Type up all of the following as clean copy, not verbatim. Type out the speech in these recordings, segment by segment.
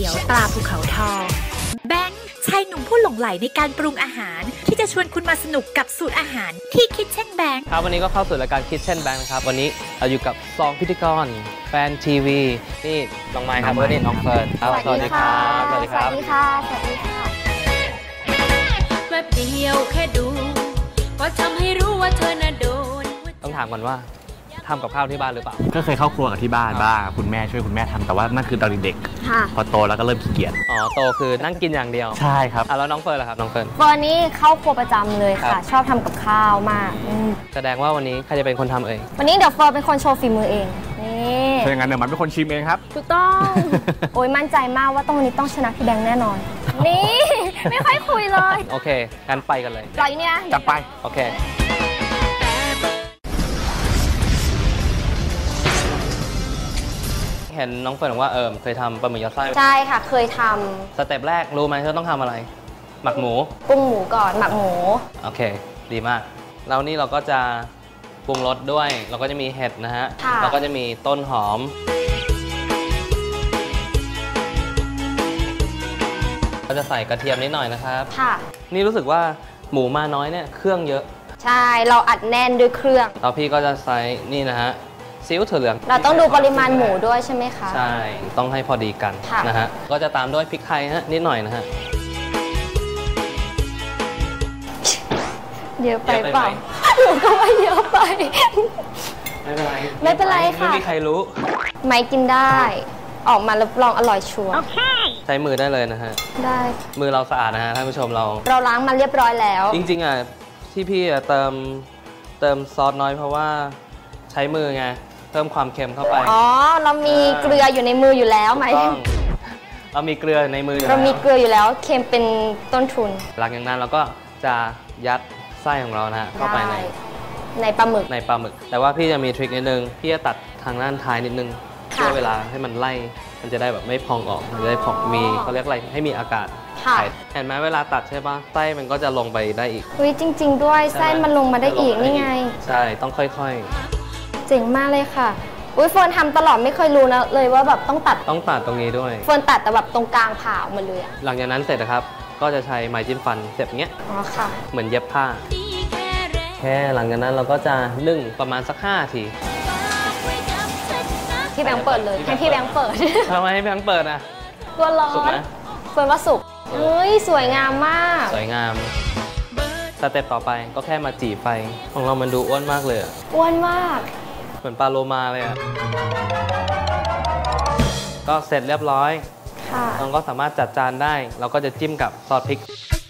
ยวตราภูเขาทองแบงค์ชายหนุ่มผู้หลงใหลในการปรุงอาหารที่จะชวนคุณมาสนุกกับสูตรอาหารที่คิดเช่นแบงค์ครับวันนี้ก็เข้าสู่รายการคิดเช่นแบงค์นะครับวันนี้เราอยู่กับ2พิธีกรแฟนทีวีนี่น้องไม้ครับและนี่น้องเฟิร์นครับสวัสดีครับสวัสดีค่ะสวัสดีค่ะแวบเดียวแค่ดูก็ทำให้รู้ว่าเธอน่ะโดนต้องถามก่อนว่าทำกับข้าวที่บ้านหรือเปล่าก็เคยเข้าครัวกับที่บ้านบ้างคุณแม่ช่วยคุณแม่ทำแต่ว่านั่นคือตอนเด็กพอโตแล้วก็เริ่มขี้เกียจอ๋อโตคือนั่งกินอย่างเดียวใช่ครับแล้วน้องเฟิร์นล่ะครับน้องเฟิร์นนี่เข้าครัวประจำเลยค่ะชอบทำกับข้าวมากแสดงว่าวันนี้ใครจะเป็นคนทำเองวันนี้เดี๋ยวเฟิร์นเป็นคนโชว์ฝีมือเองนี่ถ้าอย่างนั้นเดี๋ยวมันเป็นคนชิมเองครับถูกต้องโอ้ยมั่นใจมากว่าวันนี้ต้องชนะพี่แบงค์แน่นอนนี่ไม่ค่อยคุยเลยโอเคงั้นไปกันเลยรออยู่เนี่ยจับไปโอเคเห็นน้องเฟิร์นบอกว่าเคยทำปลาหมึกยัดไส้ใช่ค่ะเคยทำสเต็ปแรกรู้ไหมเธอต้องทำอะไรหมักหมูปรุงหมูก่อนหมักหมูโอเคดีมากแล้วนี่เราก็จะปรุงรสด้วยเราก็จะมีเห็ดนะฮะเราก็จะมีต้นหอมก็จะใส่กระเทียมนิดหน่อยนะครับค่ะนี่รู้สึกว่าหมูมาน้อยเนี่ยเครื่องเยอะใช่เราอัดแน่นด้วยเครื่องแล้วพี่ก็จะใส่นี่นะฮะซีอิ๊วถั่วเหลืองเราต้องดูปริมาณหมูด้วยใช่ไหมคะใช่ต้องให้พอดีกันนะฮะก็จะตามด้วยพริกไทยฮะนิดหน่อยนะฮะเยอะไปเปล่าหนูก็ว่าเยอะไปไม่เป็นไรไม่เป็นไรค่ะไม่มีใครรู้ไม่กินได้ออกมารับรองอร่อยชัวร์ใช้มือได้เลยนะฮะได้มือเราสะอาดนะฮะท่านผู้ชมเราล้างมาเรียบร้อยแล้วจริงๆอ่ะที่พี่เติมซอสน้อยเพราะว่าใช้มือไงเพิ่มความเค็มเข้าไปอ๋อเรามีเกลืออยู่ในมืออยู่แล้วไหมเรามีเกลือในมือเรามีเกลืออยู่แล้วเค็มเป็นต้นทุนหลังจากนั้นเราก็จะยัดไส้ของเรานะฮะเข้าไปในปลาหมึกแต่ว่าพี่จะมีทริคนิดนึงพี่จะตัดทางด้านท้ายนิดนึงเพื่อเวลาให้มันไล่มันจะได้แบบไม่พองออกมันจะได้พองมีเขาเรียกอะไรให้มีอากาศเห็นไหมเวลาตัดใช่ปะไส้มันก็จะลงไปได้อีกจริงๆด้วยไส้มันลงมาได้อีกนี่ไงใช่ต้องค่อยๆเจ๋งมากเลยค่ะเฟิร์นทำตลอดไม่เคยรู้นะเลยว่าแบบต้องตัดตรงนี้ด้วยเฟิร์นตัดแต่แบบตรงกลางผ่าออกมาเลยหลังจากนั้นเสร็จนะครับก็จะใช้ไม้จิ้มฟันเสียบเงี้ยอ๋อค่ะเหมือนเย็บผ้าแค่หลังจากนั้นเราก็จะนึ่งประมาณสัก5 ทีพี่แบงค์เปิดเลยให้พี่แบงค์เปิดทำไมให้แบงค์เปิดอ่ะกลัวร้อนเฟิร์นว่าสุกเฮ้ยสวยงามมากสวยงามสเต็ปต่อไปก็แค่มาจี่ไฟของเรามันดูอ้วนมากเลยอ้วนมากเหมือนปลาโลมาเลยอ่ะก็เสร็จเรียบร้อยเราก็สามารถจัดจานได้เราก็จะจิ้มกับซอสพริก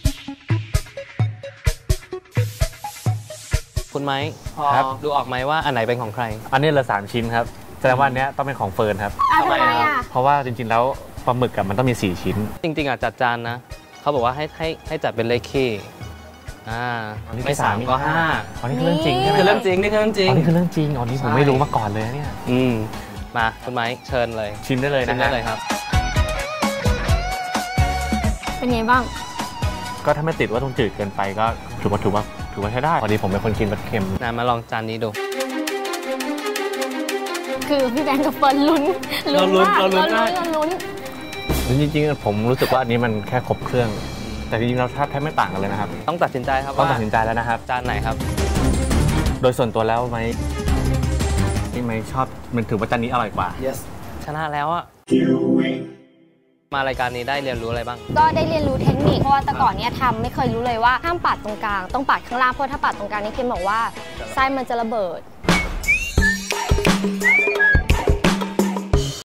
คุณไม้ครับดูออกไหมว่าอันไหนเป็นของใครอันนี้เหลือ3 ชิ้นครับแสดงว่าอันนี้ต้องเป็นของเฟิร์นครับทำไมอ่ะเพราะว่าจริงๆแล้วปลาหมึกมันต้องมี4 ชิ้นจริงๆจัดจานนะเขาบอกว่าให้จัดเป็นเลขคี่ไม่3ก็5 อันนี้คือเรื่องจริงใช่ไหมคือเรื่องจริงนี่คือเรื่องจริงอันนี้คือเรื่องจริงอันนี้ผมไม่รู้มาก่อนเลยเนี่ยมาคุณไม้เชิญเลยชิมได้เลยนะได้เลยครับเป็นไงบ้างก็ถ้าไม่ติดว่าต้องจืดเกินไปก็ถือว่าใช้ได้พอดีผมเป็นคนกินรสเค็มมาลองจานนี้ดูคือพี่แบงค์กับเฟิร์นลุ้นจริงๆผมรู้สึกว่าอันนี้มันแค่ครบเครื่องแต่จริงๆเราแทบไม่ต่างกันเลยนะครับต้องตัดสินใจครับต้องตัดสินใจแล้วนะครับจานไหนครับโดยส่วนตัวแล้วไม่ชอบมันถือว่าจานนี้อร่อยกว่า yes ชนะแล้วอะมารายการนี้ได้เรียนรู้อะไรบ้างก็ได้เรียนรู้เทคนิคเพราะว่าแต่ก่อนเนี่ยทำไม่เคยรู้เลยว่าห้ามปาดตรงกลางต้องปาดข้างล่างเพราะถ้าปาดตรงกลางนี่เค็มบอกว่าไส้มันจะระเบิด